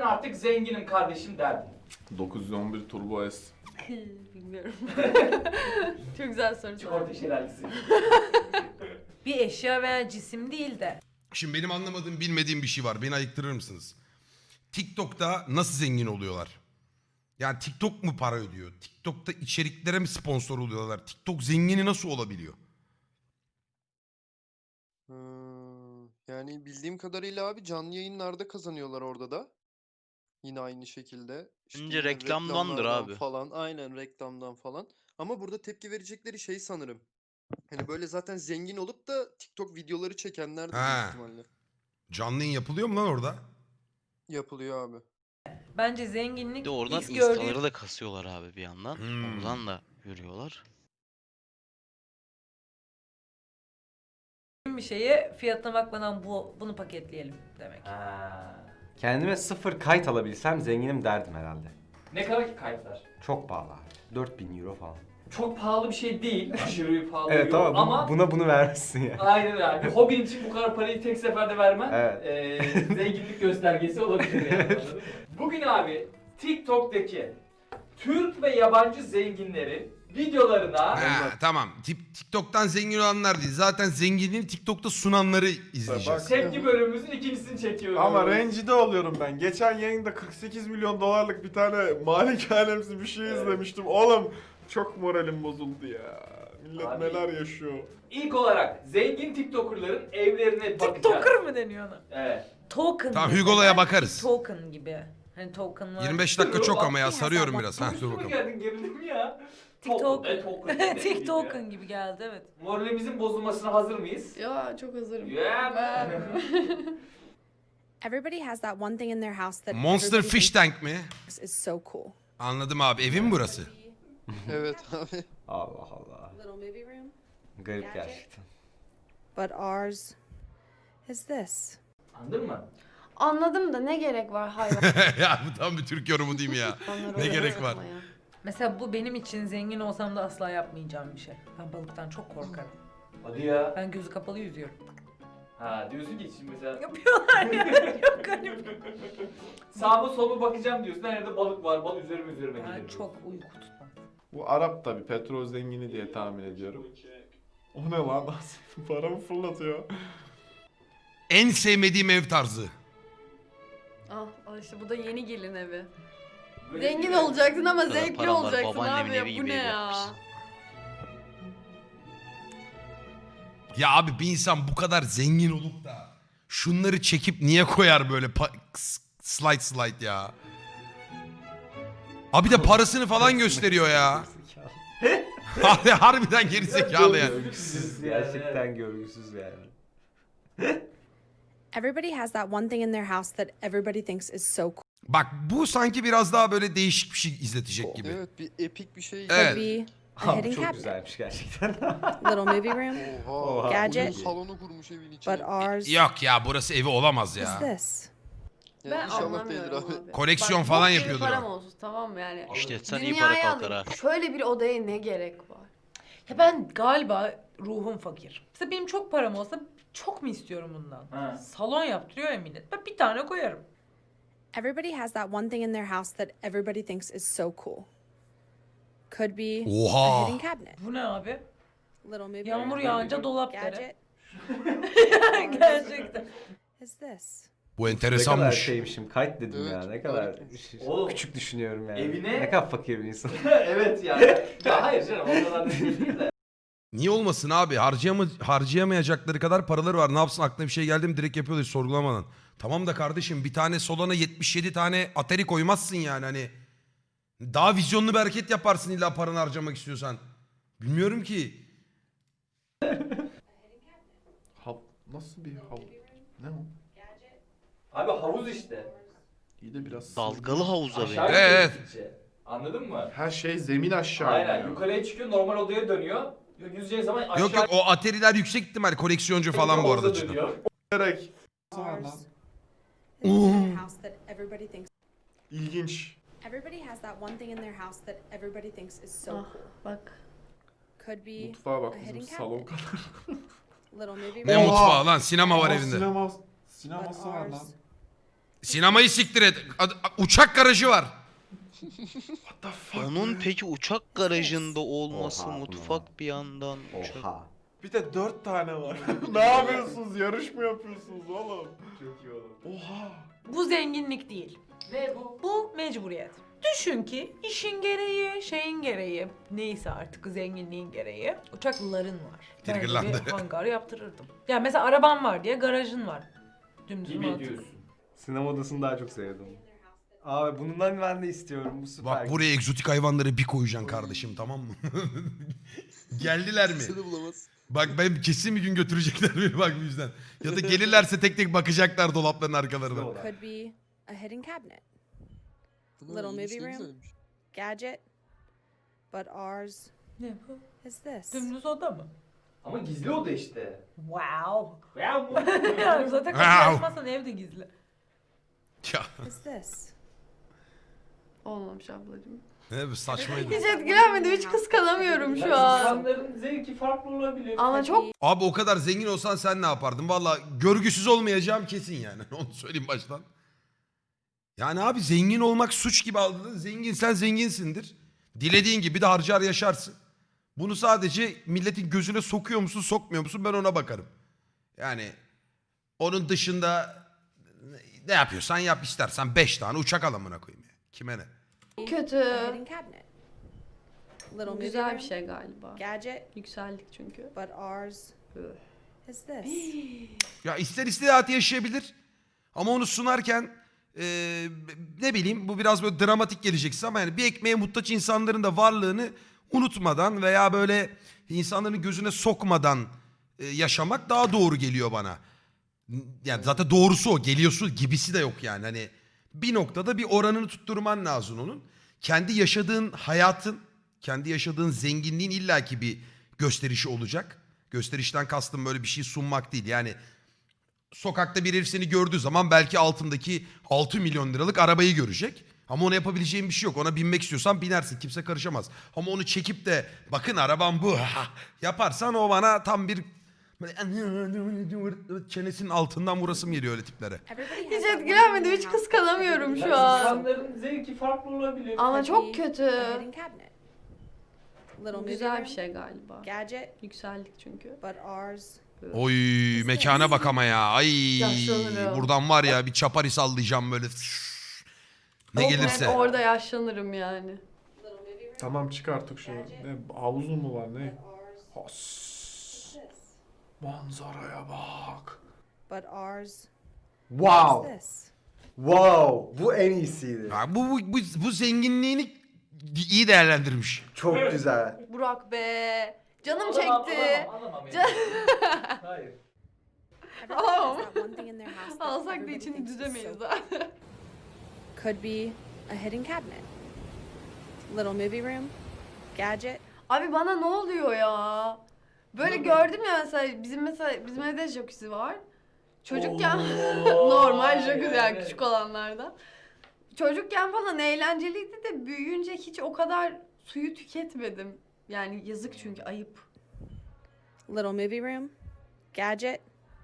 artık zenginim kardeşim derdin? 911 Turbo S. Bilmiyorum. Çok güzel soru. Çikolata şelalesi. Bir eşya veya cisim değil de. Şimdi benim anlamadığım, bilmediğim bir şey var. Beni ayıktırır mısınız? TikTok'ta nasıl zengin oluyorlar? Yani TikTok mu para ödüyor? TikTok'ta içeriklere mi sponsor oluyorlar? TikTok zengini nasıl olabiliyor? Yani bildiğim kadarıyla abi canlı yayınlarda kazanıyorlar orada da. Yine aynı şekilde. İşte Bence yine reklamdandır reklamlardan abi. falan. Aynen reklamdan falan. Ama burada tepki verecekleri şey sanırım. Hani böyle zaten zengin olup da TikTok videoları çekenler de büyük Ha. ihtimalle. Canlı yayın yapılıyor mu lan orada? Yapılıyor abi. Bence Bir zenginlik de oradan X gördüğü instaları da kasıyorlar abi bir yandan. Hmm. Oradan da görüyorlar. bir şeye fiyatına bakmadan bunu paketleyelim demek. Ha. Kendime 0 kayıt alabilsem zenginim derdim herhalde. Ne kadar ki kayıtlar? Çok pahalı abi. 4000 euro falan. Çok pahalı bir şey değil. Aşırı pahalı Evet yok. ama ama bunu vermişsin ya. aynen öyle. Bir hobin için bu kadar parayı tek seferde vermen Evet. zenginlik göstergesi olabilir yani. Anladın mı? Bugün abi TikTok'taki Türk ve yabancı zenginlerin videolarına Ha, tamam. TikTok'tan zengin olanlar değil. Zaten zenginliğini TikTok'ta sunanları izleyeceğiz. tepki bölümümüzün ikincisini çekiyoruz. Ama rencide oluyorum ben. Geçen yayında 48 milyon dolarlık bir tane malikanemsi bir şey izlemiştim. Oğlum çok moralim bozuldu ya. Millet Abi. neler yaşıyor. İlk olarak zengin TikToker'ların evlerine bakacağız. TikToker mı deniyor ona? Evet. Token. Tamam, gibi. Hugo'ya Belki bakarız. Token gibi. Hani token var. 25 dakika çok ama ya, sarıyorum Bak, biraz. Ha, dur Üstüme bakalım. geldin gerildim ya. TikTok. Token. TikToken gibi geldi evet. Moralimizin bozulmasına hazır mıyız? Ya çok hazırım. Yeah. Everybody has that one thing in their house that Monster everybody Fish Tank mi? thinks is so cool. Anladım abi. Evin mi burası? Evet abi. Allah Allah. Little movie room. Garip gerçekten. But ours is this. Anladın mı? Anladım da ne gerek var Ya bu tam bir Türk yorumu değil mi ya? hayvanları Ne oraya gerek var? sokmaya? Mesela bu benim için zengin olsam da asla yapmayacağım bir şey. Ben balıktan çok korkarım. Hadi ya. Ben gözü kapalı yüzüyorum. Ha diyorsun ki şimdi mesela Yapıyorlar ya. Çok garip. sağıma soluma bakacağım diyorsun. Nerede balık var? Balık üzerime Ben gelir. çok uyku tutmam. Bu Arap tabi petrol zengini diye tahmin ediyorum. O ne lan? Paramı fırlatıyor. En sevmediğim ev tarzı. Al işte bu da yeni gelin evi. Böyle Zengin bir- olacaksın ama Bu kadar zevkli param var, olacaksın babaannemin abi ya. evi Bu gibi ne ev ya? yapmışsın. Ya abi bir insan bu kadar zengin olup da şunları çekip niye koyar böyle slide ya? Abi de parasını falan gösteriyor ya. Harbiden gerizekalı yani. Görgüsüz, gerçekten görgüsüz yani. Everybody has that one thing in their house that everybody thinks is so cool. Bak bu sanki biraz daha böyle değişik bir şey izletecek gibi. Evet bir epik bir şey. Evet. Could be a Abi hidden çok cabinet. güzelmiş gerçekten. Little movie room. Oha. Gadget. Oyun salonu kurmuş evin içine. But ours Yok ya, burası evi olamaz is ya. this. Yani Ben inşallah değildir anlamıyorum abi. abi. Koleksiyon Bak, falan bok gibi yapıyordur param o. olsun tamam mı yani. İşte sen iyi Dünyayı para kalkar ha. alayım. Şöyle bir odaya ne gerek var? Ya ben galiba ruhum fakir. Mesela benim çok param olsa çok mu istiyorum bundan? Ha. Salon yaptırıyor ya millet. Ben bir tane koyarım. Everybody has that one thing in their house that everybody thinks is so cool. Could be a Oha. hidden cabinet. Bu ne abi? Little movie Yağmur room. yağınca dolap dere. Gadget Gerçekten. is this. Bu Ne kadar enteresanmış. şeymişim. Kayıt dedim Evet, ya. Ne çok kadar harikaymış. Oğlum. küçük düşünüyorum yani. Evine- Ne kadar fakir bir insan. Evet yani. Ya hayır canım o kadar da değil de. Niye olmasın abi? Harcayamayacakları kadar paraları var. Ne yapsın, aklına bir şey geldi mi direkt yapıyorlar hiç sorgulamadan. Tamam da kardeşim, bir tane Solana 77 tane Atari koymazsın yani hani. Daha vizyonlu bir hareket yaparsın illa paranı harcamak istiyorsan. Bilmiyorum ki. Nasıl bir hav? Ne o? Abi havuz işte. İyi de biraz... Dalgalı havuz abi. Aşağı Evet. gittikçe. Anladın mı? Her şey zemin aşağı Aynen. iniyor. Yukarıya çıkıyor normal odaya dönüyor. Yüzeceği zaman aşağı Yok yok, o Atari'ler yüksek ihtimal koleksiyoncu falan bu arada. havuza cidden. dönüyor. Gerek. Ours is the thing in their house that everybody thinks. İlginç. Everybody has that one thing in their house that everybody thinks is so Ah, cool. bak. Could be Mutfağa bak a bizim hidden salon cabinet. kadar. Little movie Ne room. mutfağı lan, sinema var Aa, evinde. But Sineması var lan. ours Sinemayı siktir et. Uçak garajı var. What the fuck Onun man? peki uçak garajında olması, Oha, mutfak bir yandan. Uçak... Oha. Bir de 4 tane var. Ne yapıyorsunuz? Yarış mı yapıyorsunuz oğlum? Çok iyi olur. Oha. Bu zenginlik değil. Ne bu? Bu mecburiyet. Düşün ki işin gereği, şeyin gereği, neyse artık zenginliğin gereği uçakların var. Ben de Triggerlandı. bir hangar yaptırırdım. Ya mesela araban var diye garajın var. Dümdüz Gibi mantık. diyorsun. Sinema odasını daha çok sevdim. Abi bundan ben de istiyorum. Bu süper. Bak buraya egzotik hayvanları bir koyacaksın kardeşim, tamam mı? Geldiler mi? Seni bulamaz. Bak ben kesin bir gün götürecekler beni bak bu yüzden. Ya da gelirlerse tek tek bakacaklar dolapların arkalarına. Sinema. Could be a hidden cabinet, Bunlar Little iyiymiş, movie ne room. güzelmiş. gadget, but ours Ne bu? is this. Dümdüz oda mı? Ama gizli oda işte. Wow. Ya bu. Yani zaten kapıyı açmazsan ev de gizli. Ya Is this. Olmamış ablacığım. ne bu saçmaydı. Hiç etkilenmedim. Hiç kıskanamıyorum şu an. İnsanların zevki farklı olabilir. Ama çok Abi o kadar zengin olsan sen ne yapardın? Valla görgüsüz olmayacağım kesin yani. Onu söyleyeyim baştan. Yani abi zengin olmak suç gibi aldın. Zengin sen zenginsindir. Dilediğin gibi de harcar yaşarsın. Bunu sadece milletin gözüne sokuyor musun sokmuyor musun ben ona bakarım. Yani onun dışında ne yapıyorsan yap, istersen 5 tane uçak al amına koyayım ya. Kime ne? kötü. A hidden cabinet. Little Bu movie güzel room, bir şey galiba. gadget, Yükseldik çünkü. but ours is this. Ya ister hayatı yaşayabilir. Ama onu sunarken ne bileyim bu biraz böyle dramatik geleceksin ama yani bir ekmeğe muhtaç insanların da varlığını unutmadan veya böyle insanların gözüne sokmadan yaşamak daha doğru geliyor bana. Yani zaten doğrusu o, geliyorsun gibisi de yok yani. Hani bir noktada bir oranını tutturman lazım onun. Kendi yaşadığın hayatın, kendi yaşadığın zenginliğin illaki bir gösterişi olacak. Gösterişten kastım böyle bir şey sunmak değil. Yani sokakta bir herif seni gördüğü zaman belki altındaki 6 milyon liralık arabayı görecek. Ama ona yapabileceğin bir şey yok. Ona binmek istiyorsan binersin. Kimse karışamaz. Ama onu çekip de bakın arabam bu yaparsan o bana tam bir böyle çenesinin altından vurasım geliyor öyle tiplere. Everybody Hiç has that one thing in etkilenmedim. their Hiç house that kıskanamıyorum everybody şu thinks is an. so İnsanların zevki farklı olabilir. Ama could çok be kötü. a hidden cabinet. Little Bu movie güzel room, bir şey galiba. gadget, Yükseldik çünkü. but ours Oy mekana bak ama ya. Ay Yaşlanırım. buradan var ya bir çapari sallayacağım böyle. Ne Çok gelirse. net orada yaşlanırım yani. Tamam çık artık şu. Ne havuzu mu var ne? Has. Manzaraya bak. but ours Wow. is this. Wow. Bu en iyisiydi. Ya bu zenginliğini iyi değerlendirmiş. Çok güzel. Burak be. Canım Alamam, çekti. alamam Can- Hayır. Everybody has that one thing in their house that Alsak da everybody içini thinks is düzemeyiz so zaten. could be a hidden cabinet. Little movie room, gadget, Abi bana ne oluyor ya? Böyle gördüm ya mesela bizim evde jacuzzi var. Çocukken normal jacuzzi yani küçük olanlardan. Çocukken falan eğlenceliydi de büyüyünce hiç o kadar suyu tüketmedim. Yani yazık çünkü ayıp. little movie room, gadget,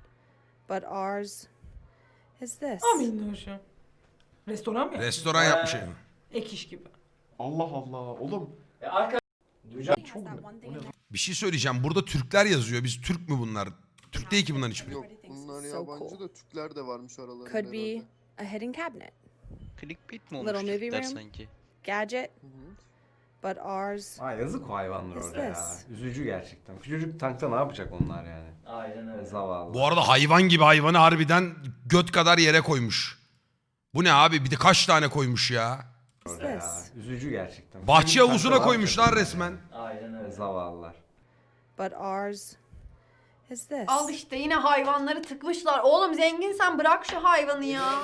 but ours is this. Amin hoşum. Restoran mı? Restoran yapmış yani. Ek iş gibi. Allah Allah. Oğlum. Arka... Duyacağım. Everybody has that one thing in their Bir şey söyleyeceğim. Burada Türkler yazıyor. Biz Türk mü bunlar? Türk değil ki bunların hiçbiri. Yok Everybody thinks bunlar it's so yabancı cool. da Türkler de varmış aralarında Could be herhalde. a hidden cabinet, Clickbait mi Little olmuş movie Türkler room. sanki? gadget, Hı hı. but ours Ay yazık o hayvanlar Is orada ya. this? Üzücü gerçekten. Küçücük tankta ne yapacak onlar yani? Aynen öyle. Zavallı. Bu arada hayvan gibi hayvanı harbiden göt kadar yere koymuş. Bu ne abi? Bir de kaç tane koymuş ya? Orada ya. this? Üzücü gerçekten. Bahçe Küçücük havuzuna tankta ne koymuşlar yapacak resmen. Aynen öyle. Zavallılar. But ours is this. Al işte yine hayvanları tıkmışlar. Oğlum zenginsen bırak şu hayvanı ya.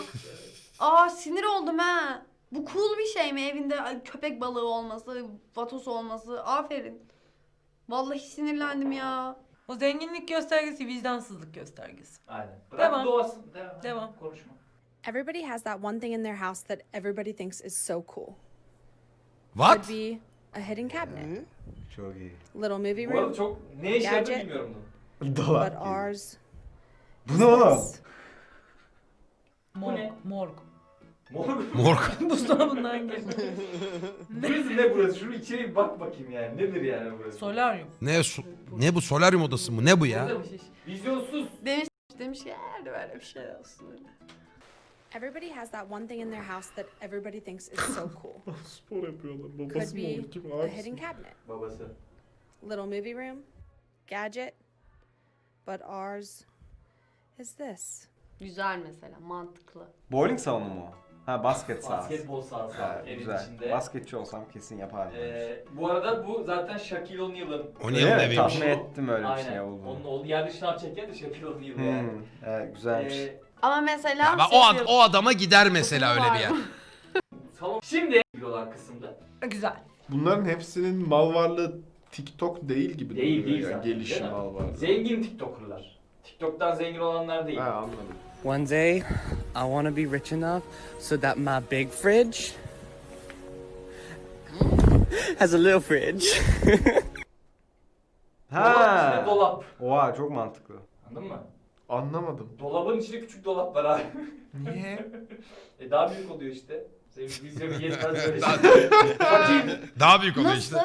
Aa sinir oldum ha. Bu cool bir şey mi evinde köpek balığı olması, vatos olması? Aferin. Vallahi sinirlendim ya. O zenginlik göstergesi vicdansızlık göstergesi. Aynen. Bırak Devam. doğasın. Devam. Konuşma. Everybody has that one thing in their house that everybody thinks is so cool. What? Could be a hidden cabinet, Ne? Çok iyi. little movie Bu arada room, çok ne işe yaradığını Gerçi- bilmiyorum bunu. Dolap but gibi. ours Bu ne oğlum? is Morg. ne? Morg. Morg. Buzdolabından geliyor. Burası ne burası? Şunu içeri bir bak bakayım yani. Nedir yani burası? Solaryum. Ne bu solaryum odası mı? Ne bu ya? Vizyonsuz. Demiş ki eğer böyle bir şey olsun. Everybody has that one thing in their house that everybody thinks is so cool. Spor yapıyorlar. Could Babası mı be olur? Kim a abisi hidden mi? cabinet, Babası. little movie room, gadget. But ours is this. Güzel mesela, mantıklı. Bowling salonu mu? Ha, basket sahası. Basketbol sahası Ha, evin güzel. içinde. Basketçi olsam kesin yapardım. Bu arada bu zaten Shaquille O'Neal'ın. O niye Evet, eviymiş? tahmin ettim öyle bir Aynen. şey olduğunu. Onun oğlu yerde şınav çeken de Shaquille O'Neal yani. Evet, güzelmiş. Ama mesela Ya ben o adama gider mesela öyle bir yer. Salon. Şimdi olan kısımda. Güzel. Bunların hepsinin mal varlığı TikTok değil gibi Değil, duruyor değil yani. zaten, Gelişim değil mi? mal varlığı. Zengin TikToker'lar. TikTok'tan zengin olanlar değil. Ha anladım. One day, I want to be rich enough so that my big fridge has a little fridge. Dolabın içinde Ha. dolap. Oha, çok mantıklı. Anladın mı? Anlamadım. Dolabın içinde küçük dolap var abi. Niye? Daha büyük oluyor işte. Senin vizyonu yetmez böyle Daha- şey. Fakir. Daha büyük oluyor Nasıl? işte.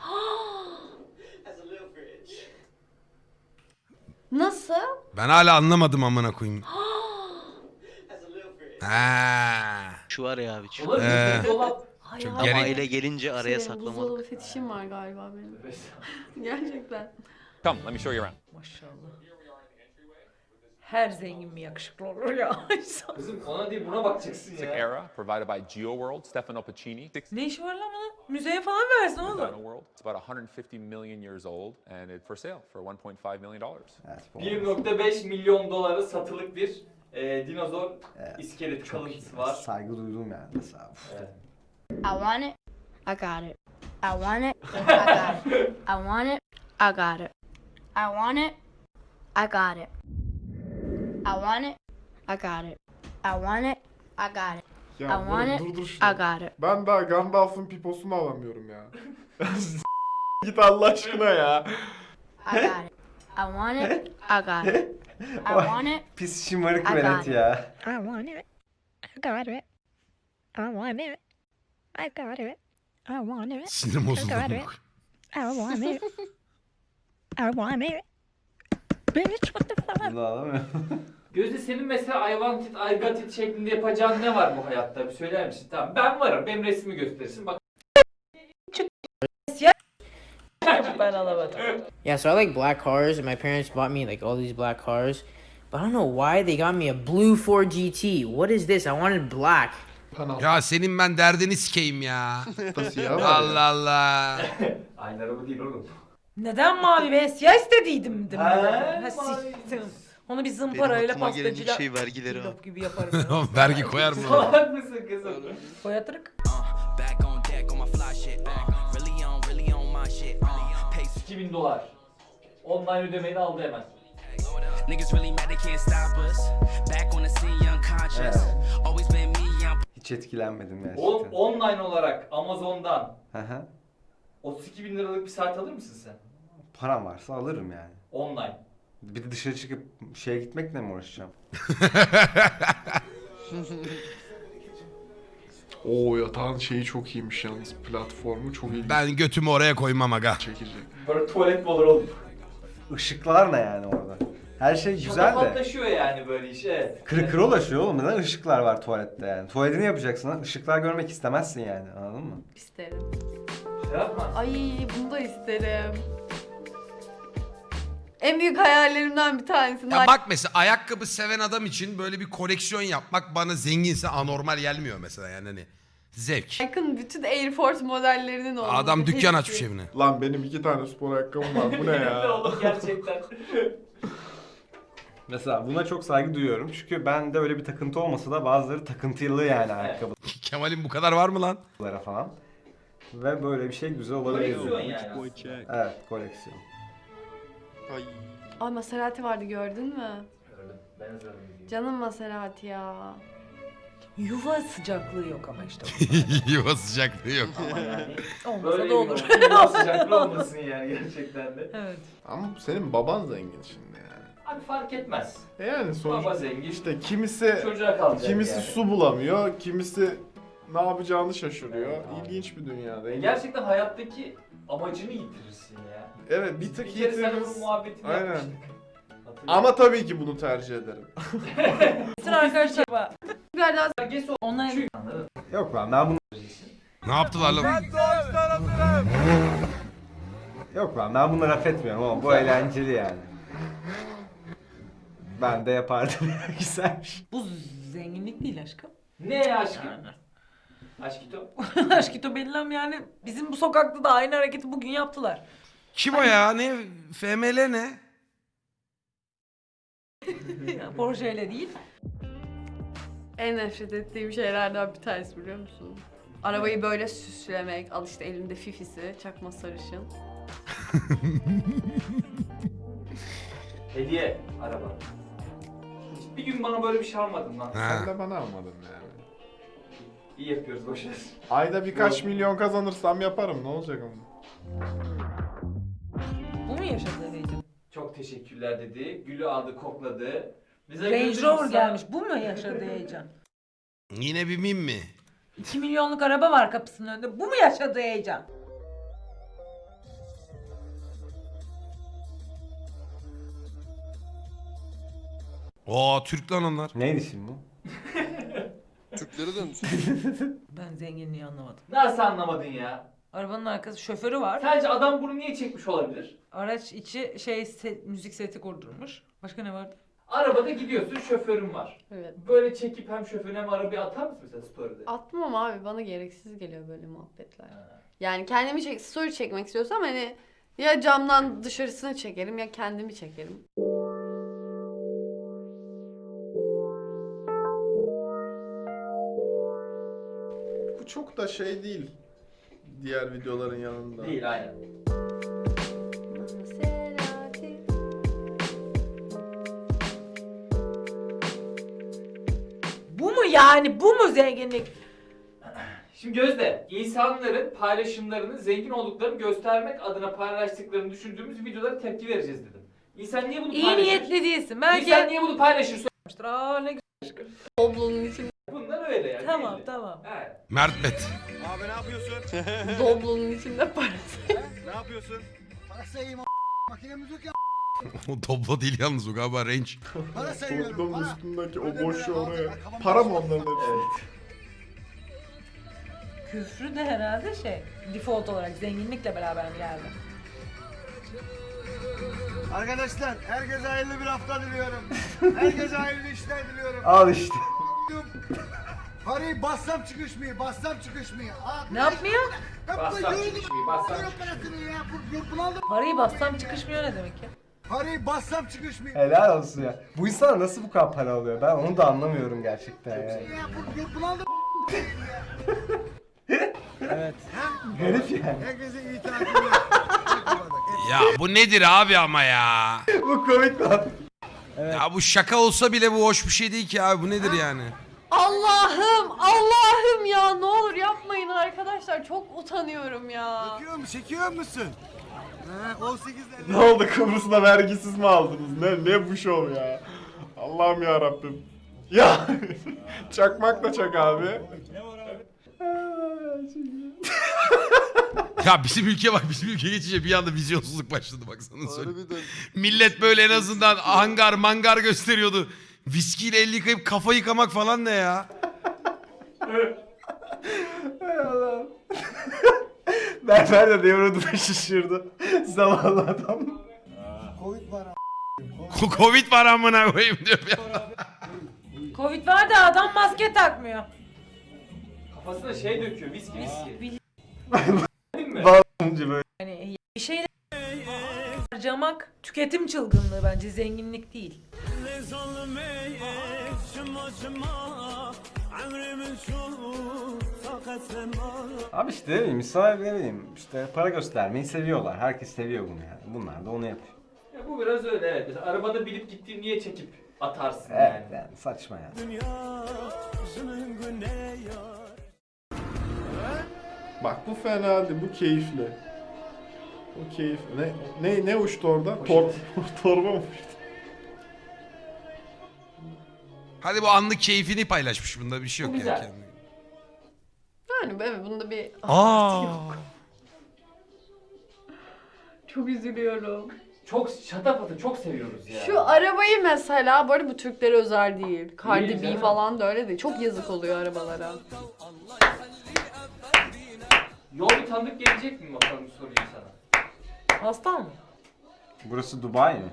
Nasıl? Ben hala anlamadım amına koyayım. Ha. Şu var ya abi. Şu. Dolabın içinde dolap. Ay, Çok ay, gerek- Ama ay. aile gelince araya Senin saklamalık. buzdolabı fetişim var galiba benim. Gerçekten. Come, let me show you around. Maşallah. Her zengin mi yakışıklı olur ya? Kızım ona değil buna bakacaksın Classic ya. era provided by GeoWorld, Stefano Pacini. Ne işi var lan bunun? Müzeye falan versin oğlum. Dino World. It's about 150 million years old and it's for sale for 1.5 million dollars. Evet, bu 1.5 milyon dolara satılık bir dinozor Evet, iskelet çok iyi. kalıntısı var. Saygı duydum yani mesela. Evet. I want it. I got it. I want it. I got it. I want it. I got it. I want it. I got it. I want it. I got it. I want it. I got it. Ya I want böyle it. durdur I şunu. got it. Ben daha Gandalf'ın piposunu alamıyorum ya. Git Allah aşkına ya. I got it. I want it. I got it. I want it. Pis şımarık I got velet it. ya. I want it. I got it. I want it. I got it. I want it. Sinirim bozuldu. amına koyayım. I want it. I want it. Bitch, what the fuck? Bunu alamıyorum. Gözde senin mesela I want it, I got it şeklinde yapacağın ne var bu hayatta? Bir söyler misin? Tamam ben varım. Benim resmi gösterirsin. Bak. Ben alamadım. Yeah, so I like black cars, and my parents bought me like all these black cars. But I don't know why they got me a blue Ford GT. What is this? I wanted black. Ya senin ben derdini sikeyim ya. Nasıl ya? Allah Allah. Aynı araba değil oğlum. Neden mavi ve siyah istediydim dedim. Ha, Ha, mavi. siktim. Onu bir Benim zımparayla aklıma gelen ilk pastacıyla şey vergileri abi. cillop gibi yaparım. Oğlum vergi koyar mı? Salak mısın kızım? Koyatırık. Back on deck on my fly shit. Really on my shit. Pace. $2000. Online ödemeni aldı hemen. Niggas really mad they can't stop us. Back on the scene, unconscious. Evet. Always been me, I'm Hiç etkilenmedim gerçekten. Oğlum online olarak Amazon'dan Hı hı. 32.000 liralık bir saat alır mısın sen? Param varsa alırım yani. Online. Bir de dışarı çıkıp şeye gitmekle mi uğraşacağım? Oo yatağın şeyi çok iyiymiş yalnız. Platformu çok iyi. Ben götümü oraya koymam aga. Çekici. Böyle tuvalet mi olur oğlum? Işıklar ne yani orada? Her şey güzel de. Şatafatlaşıyor yani böyle iş evet. Kırık ulaşıyor oğlum. Neden ışıklar var tuvalette yani? Tuvaletini yapacaksın lan. Işıklar görmek istemezsin yani. Anladın mı? İsterim. Şey yapma. Ay bunu da isterim. En büyük hayallerimden bir tanesi. Ya bak mesela ayakkabı seven adam için böyle bir koleksiyon yapmak bana zenginse anormal gelmiyor mesela yani hani zevk. Nike'ın bütün Air Force modellerinin olması. Adam dükkan hepsi. açmış evine. Lan benim 2 tane spor ayakkabım var. Bu ne ya? Oğlum gerçekten. Mesela buna çok saygı duyuyorum. Çünkü bende öyle bir takıntı olmasa da bazıları takıntılı yani ayakkabılara Kemal'in bu kadar var mı lan? falan. Ve böyle bir şey güzel olabilir. Koleksiyon yani aslında. Evet, koleksiyon. Ay. Ay Maserati vardı gördün mü? Gördüm. Ben hazırladım. Canım Maserati ya. Yuva sıcaklığı yok ama işte. Yuva sıcaklığı yok. Ama yani Olmasa böyle da olur. bir yuva sıcaklığı olmasın yani gerçekten de. Evet. Ama senin baban zengin şimdi yani. Abi fark etmez. Yani Baba sonuçta zengin. işte kimisi Çocuğa kalacak kimisi yani. su bulamıyor, kimisi ne yapacağını şaşırıyor. İlginç bir dünyada. Gerçekten hayattaki amacını yitirirsin ya. Evet, bir tık Bir kere sen yitiririz. bunun muhabbetini Aynen. yapmıştık. Hatırlıyorum. Ama tabii ki bunu tercih ederim. Sıra arkadaşlar. Biraz daha Gergesi Onlar Çünkü anladın. Yok lan ben bunu... Ne yaptılar lan? Yok lan ben bunu laf etmiyorum ama bu eğlenceli yani. Ben de yapardım. Güzelmiş. bu zenginlik değil aşkım. Ne ya aşkım? Aşkito. Aşkito belli ama yani bizim bu sokakta da aynı hareketi bugün yaptılar. Kim o ya? Ne? FML ne? Porsche ile değil. en nefret ettiğim şeylerden bir tanesi biliyor musun? Arabayı böyle süslemek, al işte elimde fifisi, çakma sarışın. Hediye araba. Bir gün bana böyle bir şey almadın lan. Sen Ha. de bana almadın yani. İyi yapıyoruz boşver. Ayda birkaç milyon kazanırsam yaparım, ne olacak ama. Bu mu yaşadığı heyecan? Çok teşekkürler dedi. Gülü aldı, kokladı. Bize Range güldü, Rover biz gelmiş. Bu mu yaşadığı heyecan? Yine bir mim mi? 2 milyonluk araba var kapısının önünde. Bu mu yaşadığı heyecan? Oo Türk lan onlar. Neydi şimdi bu? Türklere dönmüş. Ben zenginliği anlamadım. Nasıl anlamadın ya? Arabanın arkası şoförü var. Sence adam bunu niye çekmiş olabilir? Araç içi müzik seti kurdurmuş. Başka ne vardı? Arabada gidiyorsun, şoförün var. Evet. Böyle çekip hem şoförüne hem arabayı atar mısın mesela story'de? Atmam abi, bana gereksiz geliyor böyle muhabbetler. Yani kendimi story çekmek istiyorsam hani ya camdan dışarısını çekerim ya kendimi çekerim. Bu çok da şey değil. Diğer videoların yanında. Değil aynen. Maserati. Bu mu yani? Bu mu zenginlik? Şimdi Gözde, insanların paylaşımlarını zengin olduklarını göstermek adına paylaştıklarını düşündüğümüz videolara tepki vereceğiz dedim. İnsan niye bunu İyi paylaşır? niyetli değilsin. Belki... İnsan niye bunu paylaşır? Aa, ne güzel. Doblonun içinde, Bunlar öyle yani. Tamam belli. tamam. Evet. Mert Bet. Abi ne yapıyorsun? doblonun içinde parası. Ne yapıyorsun? O Doblo değil yalnız o galiba Range. Toplum üstündeki o boşu oraya. Para mı onların hepsi? Evet. Küfrü de herhalde default olarak zenginlikle beraber mi geldi? Arkadaşlar herkese hayırlı bir hafta diliyorum. Herkese hayırlı işler diliyorum. Al işte. Parayı bassam çıkışmıyor, bassam çıkışmıyor. Ne yapmıyor? Bassam çıkışmıyor, bassam Parayı bassam çıkışmıyor ne demek ya? Parayı bassam çıkışmıyor. Helal olsun ya. Bu insana nasıl bu kadar para alıyor? Ben onu da anlamıyorum gerçekten yani. Evet. Garip yani. Herkese iyi tatiller. Ya bu nedir abi ama ya? Bu komik lan. Ya bu şaka olsa bile bu hoş bir şey değil ki abi. Bu nedir yani? Allah'ım ya, ne olur yapmayın arkadaşlar, çok utanıyorum ya. Çekiyor musun? He, 18'ler. Ne oldu, Kıbrıs'ta vergisiz mi aldınız? Ne bu şov ya? Allah'ım ya Rabbim. Ya çakmak da çak abi. Ya bizim ülke bak, bizim ülke geçince bir anda vizyonsuzluk başladı baksana söyleyeyim. Harbiden. Millet böyle en azından hangar mangar gösteriyordu. Viskiyle el yıkayıp kafa yıkamak falan ne ya? Hay Allah'ım. Berber de devroduna şaşırdı. Zavallı adam. Covid var Covid var amına koyayım diyor ya. Covid var da adam maske takmıyor. Kafasına döküyor, viski. Değil mi? Önce böyle. Yani bir şeyle harcamak tüketim çılgınlığı bence, zenginlik değil. Abi işte ne bileyim, insanlar ne bileyim işte para göstermeyi seviyorlar. Herkes seviyor bunu yani. Bunlar da onu yapıyor. Ya bu biraz öyle evet. Mesela arabada bilip gittiğini niye çekip atarsın Evet yani? yani saçma yani. Bak bu fena değil, bu keyifli. Bu keyifli. Ne uçtu orada? Torba mı uçtu? Hadi bu anlık keyfini paylaşmış, bunda bir şey yok Bu yani. güzel. Yani evet bunda bir Aa. çok üzülüyorum. Çok şatafatı çok seviyoruz ya. Şu arabayı mesela, bu arada bu Türklere özel değil. Değil Cardi B canım. falan da öyle değil. Çok yazık oluyor arabalara. Yol bir tanıdık gelecek mi bakalım, sorayım sana. Hasta mı? Burası Dubai mi?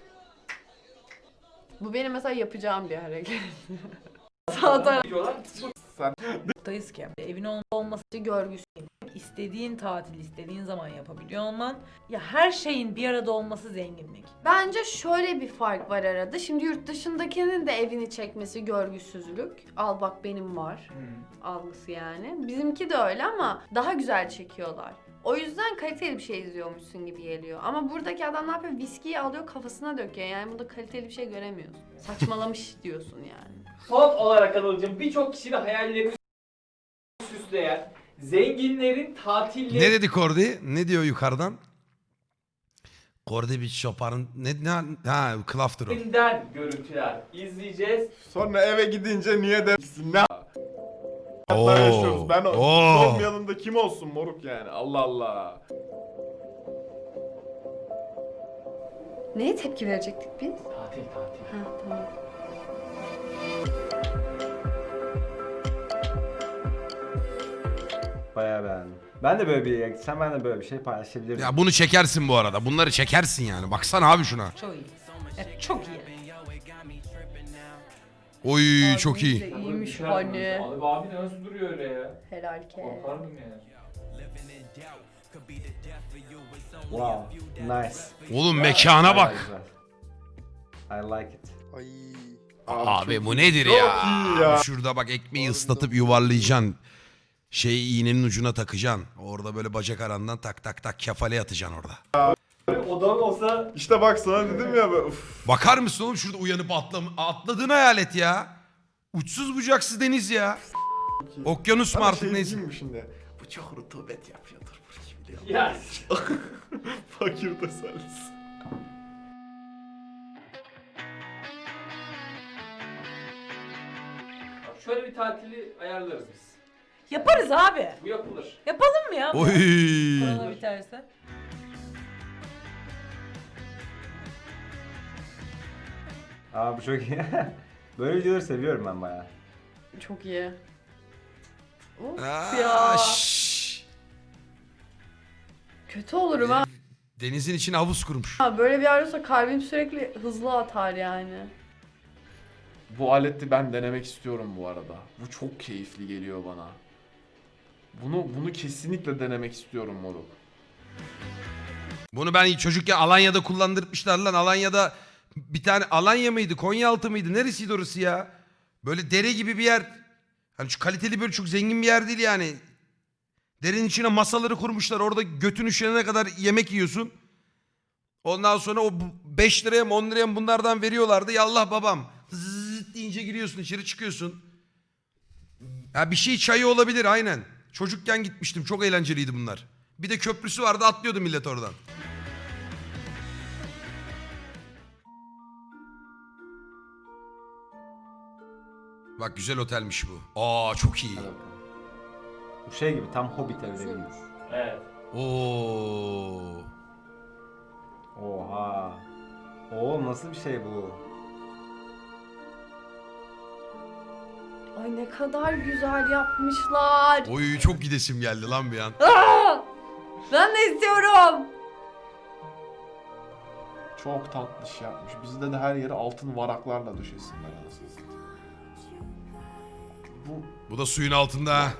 Bu benim mesela yapacağım bir hareket. Sağ taraf Diyorlar. Buradayız ki evin olması görgüsü. istediğin tatil istediğin zaman yapabiliyor olman. Ya her şeyin bir arada olması zenginlik. Bence şöyle bir fark var arada. Şimdi yurt dışındakinin de evini çekmesi görgüsüzlük. Al bak benim var. Algısı yani. Bizimki de öyle ama daha güzel çekiyorlar. O yüzden kaliteli bir şey izliyormuşsun gibi geliyor. Ama buradaki adam ne yapıyor? Viskiyi alıyor kafasına döküyor. Yani burada kaliteli bir şey göremiyorsun. Saçmalamış diyorsun yani. Son olarak Anıl'cığım, birçok kişinin hayallerini süsleyen zenginlerin tatilleri... Ne dedi Kordi? Ne diyor yukarıdan? Kordi bir şoparın... Ne? Ha, Klafter o. ...den görüntüler izleyeceğiz. Sonra eve gidince niye dersin? Ne Oo. hayatlar yaşıyoruz? Ben Oo. olmayalım da kim olsun moruk yani? Allah Allah. Neye tepki verecektik biz? Tatil. Ha tamam. Bayağı beğendim. Ben de böyle bir yere gitsem ben de böyle bir şey paylaşabilirim. Ya bunu çekersin bu arada. Bunları çekersin yani. Baksana abi şuna. Çok iyi. Evet, çok iyi. Oy çok iyi. De iyiymiş Abi, hani. abi nasıl duruyor öyle ya? Helal ke. Korkardım yani. Wow. Nice. Oğlum mekana Bayağı bak. güzel. I like it. Ay. Abi bu nedir Çok ya? iyi ya. Şurada bak ekmeği ıslatıp yuvarlayacaksın. İğnenin ucuna takacaksın. Orada böyle bacak arandan tak tak tak kefale atacaksın orada. Odam olsa... İşte bak sana dedim ya. Uf. Bakar mısın oğlum şurada uyanıp atladığını hayal et ya. Uçsuz bucaksız deniz ya. Okyanus mu Ama artık şey neyse. diyeyim mi şimdi? Bu çok rutubet yapıyordur bu gibi. Ya. Fakir tesellisi. Şöyle bir tatili ayarlarız biz. Yaparız abi. Bu yapılır. Yapalım mı ya? Oy. Korona biterse. Aa bu çok iyi. Böyle videoları seviyorum ben bayağı. Çok iyi. Of Aa, ya. şşş. Kötü olurum ha. Denizin içine havuz kurmuş. Böyle bir yer olsa kalbim sürekli hızlı atar yani. Bu aleti ben denemek istiyorum bu arada. Bu çok keyifli geliyor bana. Bunu kesinlikle denemek istiyorum moruk. Bunu ben çocukken Alanya'da kullandırmışlar lan. Alanya'da bir tane Alanya mıydı? Konyaaltı mıydı? Neresiydi orası ya? Böyle dere gibi bir yer. Hani şu kaliteli böyle çok zengin bir yer değil yani. Derenin içine masaları kurmuşlar. Orada götün üşenene kadar yemek yiyorsun. Ondan sonra o 5 liraya mı 10 liraya mı bunlardan veriyorlardı. Yallah babam. Zıt deyince giriyorsun içeri çıkıyorsun. Ha bir şey çayı olabilir aynen. Çocukken gitmiştim. Çok eğlenceliydi bunlar. Bir de köprüsü vardı atlıyordu millet oradan. Bak güzel otelmiş bu. Aa çok iyi. Hadi bakalım. Bu şey gibi tam Hobbit evleri gibi. Evet. Oo. Oha. Oo nasıl bir şey bu? Ay ne kadar güzel yapmışlar. Oy çok gidesim geldi lan bir an. Aa! Ben de istiyorum. Çok tatlış yapmış. Bizde de her yere altın varaklarla döşesinler anasını satayım. Bu da suyun altında. ha.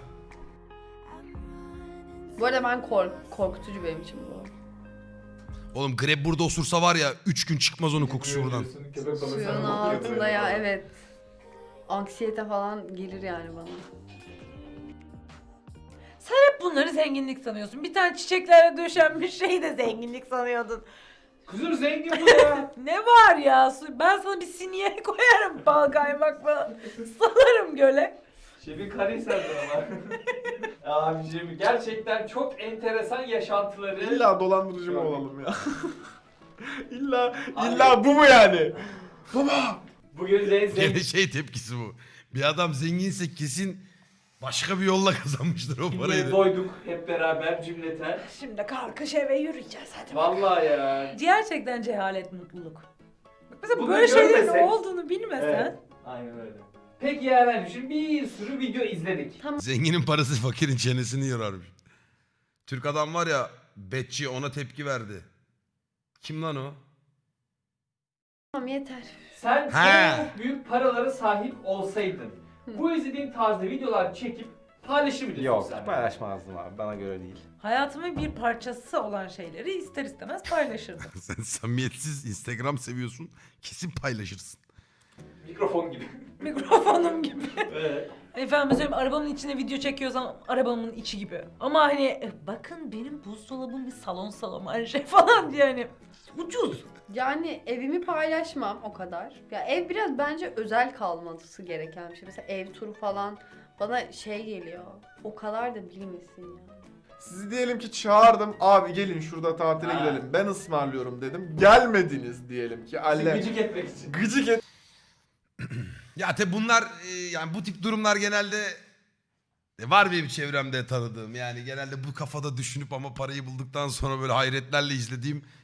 Bu arada ben korkutucu benim için bu. Oğlum greb burada osursa var ya 3 gün çıkmaz onun kokusu buradan. Suyun altında ya evet. Anksiyete falan gelir yani bana. Sen hep bunları zenginlik sanıyorsun. Bir tane çiçeklerle döşenmiş şeyi de zenginlik sanıyordun. Kızım zengin bu ya. Ne var ya? Ben sana bir sinye koyarım bal kaymakla. Salarım göle. Şefin Karahisar'da ama. Abiciğim gerçekten çok enteresan yaşantıları. İlla dolandırıcı mı olalım ya? illa bu mu yani? Baba! Bugün Gene zengin. şey tepkisi bu. Bir adam zenginse kesin başka bir yolla kazanmıştır o parayı. Doyduk hep beraber cümleten. Şimdi kalkış eve yürüyeceğiz hadi. Vallahi ya. Gerçekten cehalet mutluluk. Bak mesela Bunları böyle şeylerin görmesek- olduğunu bilmesen. Evet. Aynen öyle. Peki ya ben şimdi bir sürü video izledik. Zenginin parası fakirin çenesini yorarmış. Türk adam var ya, Betçi ona tepki verdi. Kim lan o? Tamam yeter. Sen He. çok büyük paralara sahip olsaydın bu izlediğin tarzda videolar çekip paylaşır mıydın? Yok sosyal medyada? paylaşmazdım abi bana göre değil. Hayatımın bir parçası olan şeyleri ister istemez paylaşırdım. Sen samimiyetsiz Instagram seviyorsun. Kesin paylaşırsın. Mikrofon gibi. Mikrofonum gibi. Evet. Efendim mesela arabamın içine video çekiyorsam arabamın içi gibi. Ama hani bakın benim buzdolabım bir salon her şey falan diye hani ucuz. Yani evimi paylaşmam o kadar. Ya ev biraz bence özel kalması gereken bir şey. Mesela ev turu falan bana şey geliyor. O kadar da bilmesin ya. Sizi diyelim ki çağırdım. Abi gelin şurada tatile Ha. gidelim. Ben ısmarlıyorum dedim. Gelmediniz diyelim ki. Alle. Gıcık etmek için. Gıcık et. Ya tabi bunlar yani bu tip durumlar genelde var benim çevremde tanıdığım. Yani genelde bu kafada düşünüp ama parayı bulduktan sonra böyle hayretlerle izlediğim